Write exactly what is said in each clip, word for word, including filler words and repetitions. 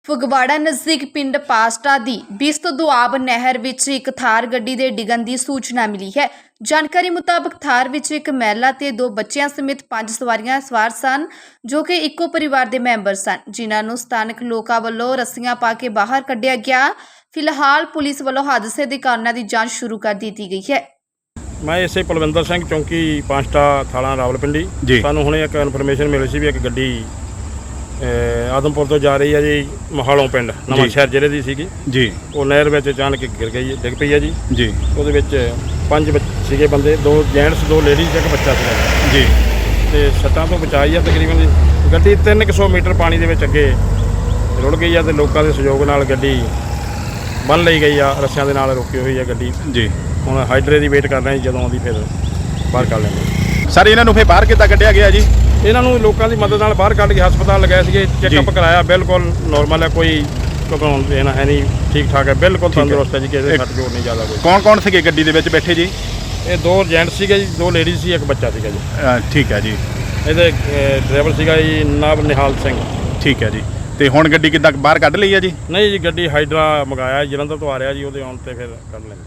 ਫਗਵਾੜਾ ਨਜ਼ਦੀਕ ਪਿੰਡ ਪਾਸਟਾ ਦੀ ਬਿਸਤ ਦੁਆਬ ਨਹਿਰ ਵਿੱਚ ਇੱਕ ਥਾਰ ਗੱਡੀ ਦੇ ਡਿੱਗਣ ਦੀ ਸੂਚਨਾ ਮਿਲੀ ਹੈ। ਜਾਣਕਾਰੀ ਮੁਤਾਬਕ ਥਾਰ ਵਿੱਚ ਇੱਕ ਮਹਿਲਾ ਤੇ ਦੋ ਬੱਚਿਆਂ ਸਮੇਤ ਪੰਜ ਸਵਾਰੀਆਂ ਸਵਾਰ ਸਨ, ਜੋ ਕਿ ਇੱਕੋ ਪਰਿਵਾਰ ਦੇ ਮੈਂਬਰ ਸਨ, ਜਿਨ੍ਹਾਂ ਨੂੰ ਸਥਾਨਕ ਲੋਕਾਂ ਵੱਲੋਂ ਰੱਸੀਆਂ ਪਾ ਕੇ ਬਾਹਰ ਕੱਢਿਆ ਗਿਆ। ਫਿਲਹਾਲ ਪੁਲਿਸ ਵੱਲੋਂ ਹਾਦਸੇ ਦੇ ਕਾਰਨਾਂ ਦੀ ਜਾਂਚ ਸ਼ੁਰੂ ਕਰ ਦਿੱਤੀ ਗਈ ਹੈ। मैं इसे पलविंदर सिंह चौंकी पांचटा थाना रावलपिंडी सानू हुणे एक इन्फॉर्मेशन मिली सी भी एक गड्डी आदमपुर तो जा रही है जी मोहालों पिंड नवांशहर जिले की सीगी जी। वो नहर में अचानक गिर गई डिग पई है जी जी। ਉਹਦੇ ਵਿੱਚ ਪੰਜ ਸੀਗੇ ਬੰਦੇ, ਦੋ ਜੈਂਟਸ ਦੋ ਲੇਡੀਜ਼ ਇੱਕ ਬੱਚਾ ਸੀਗਾ ਜੀ, ਤੇ ਸੱਟਾਂ ਤੋਂ ਬਚਾਈ ਆ ਤਕਰੀਬਨ ਜੀ। ਗੱਡੀ ਤਿੰਨ ਕੁ ਸੌ ਮੀਟਰ ਪਾਣੀ ਦੇ ਵਿੱਚ ਅੱਗੇ ਰੁੜ ਗਈ ਆ ਤੇ ਲੋਕਾਂ ਦੇ ਸਹਿਯੋਗ ਨਾਲ ਗੱਡੀ ਬੰਨ ਲਈ ਗਈ ਆ, ਰੱਸਿਆਂ ਦੇ ਨਾਲ ਰੋਕੀ ਹੋਈ ਆ ਗੱਡੀ ਜੀ। ਹੁਣ ਹਾਈਡਰੇ ਦੀ ਵੇਟ ਕਰ ਰਹੇ ਜੀ, ਜਦੋਂ ਆਉਂਦੀ ਫਿਰ ਬਾਹਰ ਕੱਢ ਲੈਂਦੇ। ਸਰ ਇਹਨਾਂ ਨੂੰ ਫਿਰ ਬਾਹਰ ਕਿੱਦਾਂ ਕੱਢਿਆ ਗਿਆ ਜੀ? ਇਹਨਾਂ ਨੂੰ ਲੋਕਾਂ ਦੀ ਮਦਦ ਨਾਲ ਬਾਹਰ ਕੱਢ ਕੇ ਹਸਪਤਾਲ ਲਗਾਏ ਸੀਗੇ, ਚੈੱਕਅਪ ਕਰਾਇਆ, ਬਿਲਕੁਲ ਨੋਰਮਲ ਹੈ, ਕੋਈ ਘਬਰਾਉਣ ਦੇਣਾ ਹੈ ਨਹੀਂ, ਠੀਕ ਠਾਕ ਹੈ, ਬਿਲਕੁਲ ਤੰਦਰੁਸਤ ਹੈ ਜੀ, ਕਿਸੇ ਦੇ ਸੱਟ ਜੋੜ ਨਹੀਂ ਜ਼ਿਆਦਾ ਕੋਈ। ਕੌਣ ਕੌਣ ਸੀਗੇ ਗੱਡੀ ਦੇ ਵਿੱਚ ਬੈਠੇ ਜੀ? ਇਹ ਦੋ ਜੈਂਟਸ ਸੀਗੇ ਜੀ, ਦੋ ਲੇਡੀਜ਼ ਸੀ, ਇੱਕ ਬੱਚਾ ਸੀਗਾ ਜੀ। ਠੀਕ ਹੈ ਜੀ। ਇਹਦੇ ਡਰਾਈਵਰ ਸੀਗਾ ਜੀ ਨਵ ਨਿਹਾਲ ਸਿੰਘ। ਠੀਕ ਹੈ ਜੀ। ਤੇ ਹੁਣ ਗੱਡੀ ਕਿੱਦਾਂ ਬਾਹਰ ਕੱਢ ਲਈ ਹੈ ਜੀ? ਨਹੀਂ ਜੀ, ਗੱਡੀ ਹਾਈਡਰਾ ਮੰਗਾਇਆ, ਜਲੰਧਰ ਤੋਂ ਆ ਰਿਹਾ ਜੀ, ਉਹਦੇ ਆਉਣ ਤੇ ਫਿਰ ਕੱਢ ਲੈਂਦੇ।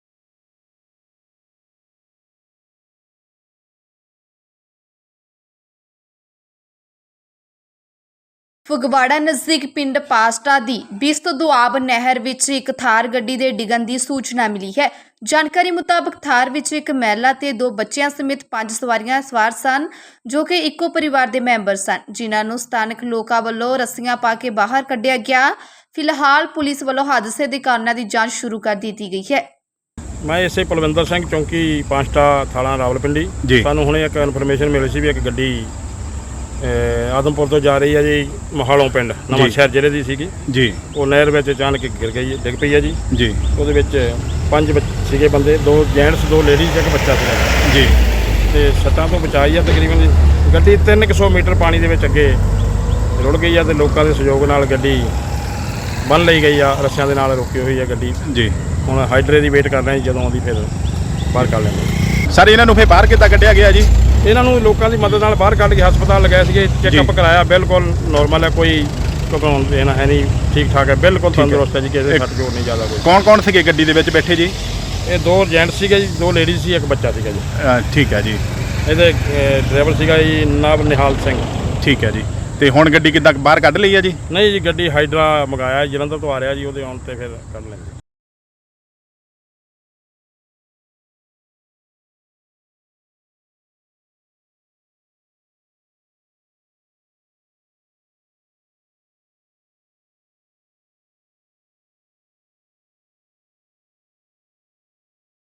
ਫਗਵਾੜਾ ਨਜ਼ਦੀਕ ਪਿੰਡ ਪਾਸਟਾ ਦੀ ਬਿਸਤ ਦੁਆਬ ਨਹਿਰ ਵਿੱਚ ਇੱਕ ਥਾਰ ਗੱਡੀ ਦੇ ਡਿੱਗਣ ਦੀ ਸੂਚਨਾ ਮਿਲੀ ਹੈ। ਜਾਣਕਾਰੀ ਮੁਤਾਬਕ ਥਾਰ ਵਿੱਚ ਇੱਕ ਮਹਿਲਾ ਤੇ ਦੋ ਬੱਚਿਆਂ ਸਮੇਤ ਪੰਜ ਸਵਾਰੀਆਂ ਸਵਾਰ ਸਨ, ਜੋ ਕਿ ਇੱਕੋ ਪਰਿਵਾਰ ਦੇ ਮੈਂਬਰ ਸਨ, ਜਿਨ੍ਹਾਂ ਨੂੰ ਸਥਾਨਕ ਲੋਕਾਂ ਵੱਲੋਂ ਰੱਸੀਆਂ ਪਾ ਕੇ ਬਾਹਰ ਕੱਢਿਆ ਗਿਆ। ਫਿਲਹਾਲ ਪੁਲਿਸ ਵੱਲੋਂ ਹਾਦਸੇ ਦੇ ਕਾਰਨਾਂ ਦੀ ਜਾਂਚ ਸ਼ੁਰੂ ਕਰ ਦਿੱਤੀ ਗਈ ਹੈ। ਮੈਂ ਇਸੇ ਪਲਵਿੰਦਰ ਸਿੰਘ ਚੌਂਕੀ ਪਾਂਚਟਾ ਥਾਣਾ ਰਾਵਲਪਿੰਡੀ ਸਾਨੂੰ ਹੁਣੇ ਇੱਕ ਇਨਫੋਰਮੇਸ਼ਨ ਮਿਲੀ ਸੀ ਵੀ ਇੱਕ ਗੱਡੀ ਆਦਮਪੁਰ ਤੋਂ ਜਾ ਰਹੀ ਹੈ ਜੀ ਮੋਹਾਲੋਂ ਪਿੰਡ ਨਵਾਂਸ਼ਹਿਰ ਜ਼ਿਲ੍ਹੇ ਦੀ ਸੀਗੀ ਜੀ। ਉਹ ਨਹਿਰ ਵਿੱਚ ਅਚਾਨਕ ਗਿਰ ਗਈ, ਡਿੱਗ ਪਈ ਹੈ ਜੀ ਜੀ। ਉਹਦੇ ਵਿੱਚ ਪੰਜ ਸੀਗੇ ਬੰਦੇ, ਦੋ ਜੈਂਟਸ ਦੋ ਲੇਡੀਜ਼ ਇੱਕ ਬੱਚਾ ਸੀਗਾ ਜੀ, ਤੇ ਸੱਟਾਂ ਤੋਂ ਬਚਾਈ ਆ ਤਕਰੀਬਨ ਜੀ। ਗੱਡੀ ਤਿੰਨ ਕੁ ਸੌ ਮੀਟਰ ਪਾਣੀ ਦੇ ਵਿੱਚ ਅੱਗੇ ਰੁੜ ਗਈ ਆ ਤੇ ਲੋਕਾਂ ਦੇ ਸਹਿਯੋਗ ਨਾਲ ਗੱਡੀ ਬੰਨ ਲਈ ਗਈ ਆ, ਰੱਸਿਆਂ ਦੇ ਨਾਲ ਰੋਕੀ ਹੋਈ ਆ ਗੱਡੀ ਜੀ। ਹੁਣ ਹਾਈਡਰੇ ਦੀ ਵੇਟ ਕਰ ਰਹੇ ਜੀ, ਜਦੋਂ ਆਉਂਦੀ ਫਿਰ ਬਾਹਰ ਕੱਢ ਲੈਂਦੇ। ਸਰ ਇਹਨਾਂ ਨੂੰ ਫਿਰ ਬਾਹਰ ਕਿੱਦਾਂ ਕੱਢਿਆ ਗਿਆ ਜੀ? ਇਹਨਾਂ ਨੂੰ ਲੋਕਾਂ ਦੀ ਮਦਦ ਨਾਲ ਬਾਹਰ ਕੱਢ ਕੇ ਹਸਪਤਾਲ ਲਗਾਏ ਸੀਗੇ, ਚੈੱਕਅਪ ਕਰਾਇਆ, ਬਿਲਕੁਲ ਨੋਰਮਲ ਹੈ, ਕੋਈ ਘਬਰਾਉਣ ਦੇਣਾ ਹੈ ਨਹੀਂ, ਠੀਕ ਠਾਕ ਹੈ, ਬਿਲਕੁਲ ਤੰਦਰੁਸਤ ਹੈ ਜੀ, ਕਿਸੇ ਦੇ ਸੱਟ ਜੋੜ ਨਹੀਂ ਜ਼ਿਆਦਾ ਕੋਈ। ਕੌਣ ਕੌਣ ਸੀਗੇ ਗੱਡੀ ਦੇ ਵਿੱਚ ਬੈਠੇ ਜੀ? ਇਹ ਦੋ ਜੈਂਟਸ ਸੀਗੇ ਜੀ, ਦੋ ਲੇਡੀਜ਼ ਸੀ, ਇੱਕ ਬੱਚਾ ਸੀਗਾ ਜੀ। ਠੀਕ ਹੈ ਜੀ। ਇਹਦੇ ਡਰਾਈਵਰ ਸੀਗਾ ਜੀ ਨਵ ਨਿਹਾਲ ਸਿੰਘ। ਠੀਕ ਹੈ ਜੀ। ਤੇ ਹੁਣ ਗੱਡੀ ਕਿੱਦਾਂ ਬਾਹਰ ਕੱਢ ਲਈ ਹੈ ਜੀ? ਨਹੀਂ ਜੀ, ਗੱਡੀ ਹਾਈਡਰਾ ਮੰਗਾਇਆ, ਜਲੰਧਰ ਤੋਂ ਆ ਰਿਹਾ ਜੀ, ਉਹਦੇ ਆਉਣ ਤੇ ਫਿਰ ਕੱਢ ਲੈਂਦੇ।